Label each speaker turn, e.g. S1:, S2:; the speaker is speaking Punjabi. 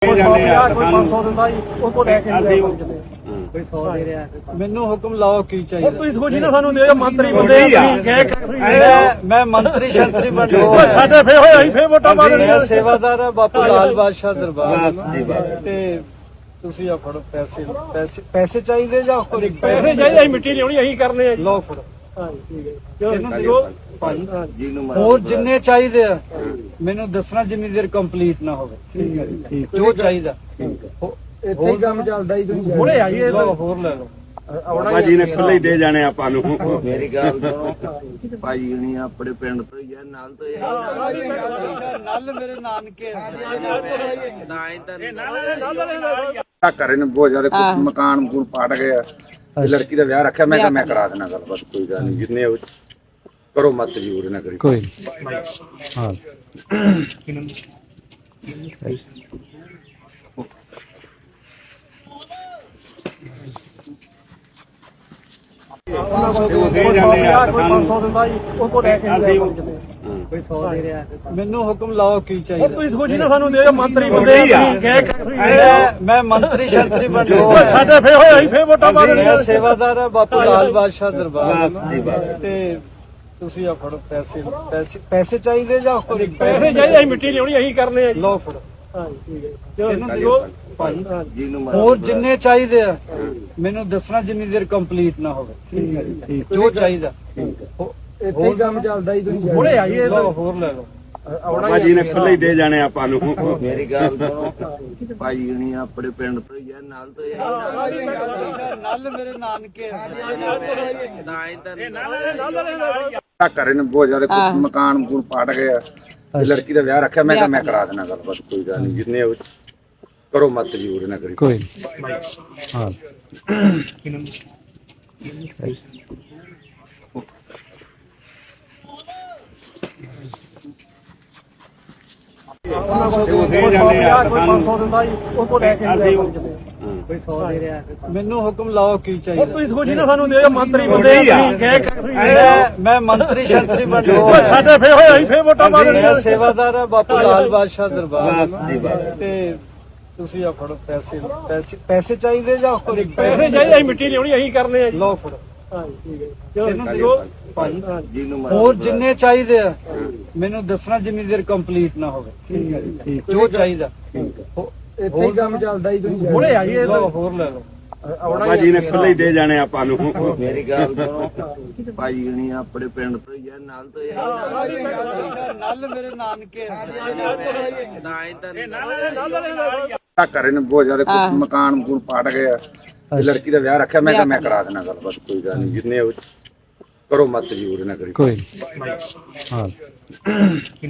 S1: ਕੋਈ 150 ਕੋਈ 500 ਦਿੰਦਾ ਜੀ ਉਹ ਕੋ ਲੈ ਕੇ
S2: ਅਸੀਂ
S1: ਕੋਈ 100 ਦੇ ਰਿਹਾ
S3: ਮੈਨੂੰ ਹੁਕਮ ਲਾਓ ਕੀ ਚਾਹੀਦਾ।
S1: ਤੁਸੀਂ ਸੋਚੀ ਨਾ ਸਾਨੂੰ ਦੇ ਮੰਤਰੀ ਬੰਦੇ
S3: ਮੈਂ ਮੰਤਰੀ ਸ਼ੰਤਰੀ ਬਣ
S1: ਸਾਡੇ ਫੇ ਹੋਏ ਅਸੀਂ ਫੇ ਵੋਟਾਂ ਪਾ ਦੇਣੀਆਂ
S3: ਸੇਵਾਦਾਰ ਆ ਬਾਪੂ ਲਾਲ ਬਾਦਸ਼ਾਹ ਦਰਬਾਰ
S2: ਬਸ ਜੀ ਬਸ।
S3: ਤੇ ਤੁਸੀਂ ਆ ਫੜੋ ਪੈਸੇ ਚਾਹੀਦੇ ਜਾਂ ਹੋਰ
S1: ਪੈਸੇ ਚਾਹੀਦੇ ਅਸੀਂ ਮਿੱਟੀ ਲਿਆਉਣੀ ਅਸੀਂ ਕਰਨੇ ਆ ਜੀ
S3: ਲਓ ਫੜੋ
S1: ਹਾਂਜੀ ਠੀਕ ਹੈ ਇਹਨੂੰ ਦਿਓ
S3: ਭਾਜੀ ਹੋਰ ਜਿੰਨੇ ਚਾਹੀਦੇ ਆ ਮੈਨੂੰ ਦੱਸਣਾ ਜਿੰਨੀ ਦੇਰ ਕੰਪਲੀਟ ਨਾ ਹੋਵੇ।
S1: ਠੀਕ ਹੈ ਜੀ
S3: ਜੋ ਚਾਹੀਦਾ
S1: ਇੱਥੇ ਹੀ ਕੰਮ ਚੱਲਦਾ ਹੀ ਤੁਸੀਂ ਹੁਣੇ ਆਈਏ
S3: ਲਓ ਹੋਰ ਲੈ ਲਓ।
S2: ਬਾਬਾ ਜੀ ਨੇ ਖੁੱਲੇ ਹੀ ਦੇ ਜਾਣੇ ਆਪਾਂ ਨੂੰ।
S4: ਮੇਰੀ ਗੱਲ ਸੁਣੋ ਭਾਈ ਹੁਣੀ ਆਪਣੇ ਪਿੰਡ ਤੋਂ ਹੀ ਆ ਨਾਲ ਤੋਂ ਹੀ
S3: ਨਲ ਮੇਰੇ ਨਾਨਕੇ
S5: ਘਰੇ ਨੇ ਬਹੁਤ ਜ਼ਿਆਦਾ ਮਕਾਨ ਮਕੂਨ ਪਾਟ ਗਏ ਆ ਤੇ ਲੜਕੀ ਦਾ ਵਿਆਹ ਰੱਖਿਆ। ਮੈਂ ਕਿਹਾ ਮੈਂ ਕਰਾ ਦੇਣਾ ਗੱਲ, ਬਸ ਕੋਈ ਗੱਲ ਨਹੀਂ ਜਿੰਨੇ ਕਰੋ ਮਤ ਜੂਰ ਨਾ ਕਰੀ
S3: ਕੋਈ ਹਾਂ
S1: ਕੋਈ 500 ਦਿੰਦਾ ਜੀ ਉਹ ਕੋ ਲੈ ਕੇ ਕੋਈ 100 ਦੇ ਰਿਹਾ
S3: ਮੈਨੂੰ ਹੁਕਮ ਲਾਓ ਕੀ ਚਾਹੀਦਾ।
S1: ਤੁਸੀਂ ਸੋਚੀ ਨਾ ਸਾਨੂੰ ਦੇ ਮੰਤਰੀ ਬੰਦੇ
S3: ਮੈਂ ਮੰਤਰੀ ਸ਼ੰਤਰੀ ਬਣ
S1: ਸਾਡੇ ਫੇ ਹੋਏ ਅਸੀਂ ਫੇ ਵੋਟਾਂ ਪਾ ਦੇਣੀਆਂ
S3: ਸੇਵਾਦਾਰ ਆ ਬਾਪੂ ਲਾਲ ਬਾਦਸ਼ਾਹ ਦਰਬਾਰ
S2: ਬਸ ਜੀ ਬਸ।
S3: ਤੇ ਤੁਸੀਂ ਆ ਫੜੋ ਪੈਸੇ ਚਾਹੀਦੇ ਜਾਂ ਹੋਰ
S1: ਪੈਸੇ ਚਾਹੀਦੇ ਅਸੀਂ ਮਿੱਟੀ ਲਿਆਉਣੀ ਅਸੀਂ ਕਰਨੇ ਆ ਜੀ
S3: ਲਓ ਫੜੋ
S1: ਹਾਂਜੀ ਠੀਕ ਹੈ ਇਹਨੂੰ ਦਿਓ
S3: ਭਾਜੀ
S4: ਜੀ ਨੂੰ
S3: ਹੋਰ ਜਿੰਨੇ ਚਾਹੀਦੇ ਆ ਮੈਨੂੰ ਦੱਸਣਾ ਜਿੰਨੀ ਦੇਰ ਕੰਪਲੀਟ ਨਾ ਹੋਵੇ।
S1: ਠੀਕ ਹੈ
S3: ਜੋ ਚਾਹੀਦਾ
S1: ਇੱਥੇ ਹੀ ਕੰਮ ਚੱਲਦਾ ਹੀ ਤੁਸੀਂ ਹੁਣੇ ਆਈਏ
S3: ਲਓ ਹੋਰ ਲੈ ਲਓ।
S2: ਬਾਬਾ ਜੀ ਨੇ ਖੁੱਲੇ ਹੀ ਦੇ ਜਾਣੇ ਆਪਾਂ ਨੂੰ।
S4: ਮੇਰੀ ਗੱਲ ਸੁਣੋ ਭਾਈ ਹੁਣੀ ਆਪਣੇ ਪਿੰਡ ਤੋਂ ਹੀ ਆ ਨਾਲ ਤੋਂ ਹੀ
S3: ਨਲ ਮੇਰੇ ਨਾਨਕੇ
S5: ਘਰੇ ਨੇ ਬਹੁਤ ਜ਼ਿਆਦਾ ਮਕਾਨ ਮਕੂਨ ਪਾਟ ਗਏ ਆ ਤੇ ਲੜਕੀ ਦਾ ਵਿਆਹ ਰੱਖਿਆ। ਮੈਂ ਕਿਹਾ ਮੈਂ ਕਰਾ ਦੇਣਾ ਗੱਲ, ਬਸ ਕੋਈ ਗੱਲ ਨਹੀਂ ਜਿੰਨੇ ਕਰੋ ਮਤ ਜੂਰ ਨਾ ਕਰੀ
S3: ਕੋਈ ਹਾਂ
S1: ਕੋਈ 500 ਦਿੰਦਾ ਜੀ ਉਹ ਕੋ ਲੈ ਕੇ ਕੋਈ 100 ਦੇ ਰਿਹਾ
S3: ਮੈਨੂੰ ਹੁਕਮ ਲਾਓ ਕੀ ਚਾਹੀਦਾ।
S1: ਤੁਸੀਂ ਸੋਚੀ ਨਾ ਸਾਨੂੰ ਦੇ ਮੰਤਰੀ ਬੰਦੇ
S3: ਮੈਂ ਮੰਤਰੀ ਸ਼ੰਤਰੀ ਬਣ
S1: ਸਾਡੇ ਫੇ ਹੋਏ ਅਸੀਂ ਫੇ ਵੋਟਾਂ ਪਾ ਦੇਣੀਆਂ
S3: ਸੇਵਾਦਾਰ ਆ ਬਾਪੂ ਲਾਲ ਬਾਦਸ਼ਾਹ ਦਰਬਾਰ
S2: ਬਸ ਜੀ ਬਸ।
S3: ਤੇ ਤੁਸੀਂ ਆ ਫੜੋ ਪੈਸੇ ਚਾਹੀਦੇ ਜਾਂ ਹੋਰ
S1: ਪੈਸੇ ਚਾਹੀਦੇ ਅਸੀਂ ਮਿੱਟੀ ਲਿਆਉਣੀ ਅਸੀਂ ਕਰਨੇ ਆ ਜੀ
S3: ਲਓ ਫੜੋ
S1: ਹਾਂਜੀ ਠੀਕ ਹੈ ਇਹਨੂੰ ਦਿਓ
S3: ਭਾਜੀ
S4: ਜੀ ਨੂੰ
S3: ਹੋਰ ਜਿੰਨੇ ਚਾਹੀਦੇ ਆ ਮੈਨੂੰ ਦੱਸਣਾ ਜਿੰਨੀ ਦੇਰ ਕੰਪਲੀਟ ਨਾ ਹੋਵੇ।
S1: ਠੀਕ ਹੈ
S3: ਜੋ ਚਾਹੀਦਾ
S1: ਇੱਥੇ ਹੀ ਕੰਮ ਚੱਲਦਾ ਹੀ ਤੁਸੀਂ ਹੁਣੇ ਆਈਏ
S3: ਲਓ ਹੋਰ ਲੈ ਲਓ।
S2: ਬਾਬਾ ਜੀ ਨੇ ਖੁੱਲੇ ਹੀ ਦੇ ਜਾਣੇ ਆਪਾਂ ਨੂੰ।
S4: ਮੇਰੀ ਗੱਲ ਸੁਣੋ ਭਾਈ ਹੁਣੀ ਆਪਣੇ ਪਿੰਡ ਤੋਂ ਹੀ ਆ ਨਾਲ ਤੋਂ ਹੀ
S3: ਨਲ ਮੇਰੇ ਨਾਨਕੇ
S5: ਘਰੇ ਨੇ ਬਹੁਤ ਜ਼ਿਆਦਾ ਮਕਾਨ ਮਕੂਨ ਪਾਟ ਗਏ ਆ ਤੇ ਲੜਕੀ ਦਾ ਵਿਆਹ ਰੱਖਿਆ। ਮੈਂ ਕਿਹਾ ਮੈਂ ਕਰਾ ਦੇਣਾ ਗੱਲ, ਬਸ ਕੋਈ ਗੱਲ ਨਹੀਂ ਜਿੰਨੇ ਕਰੋ ਮਤ ਜੂਰ ਨਾ ਕਰੀ
S3: ਕੋਈ ਹਾਂ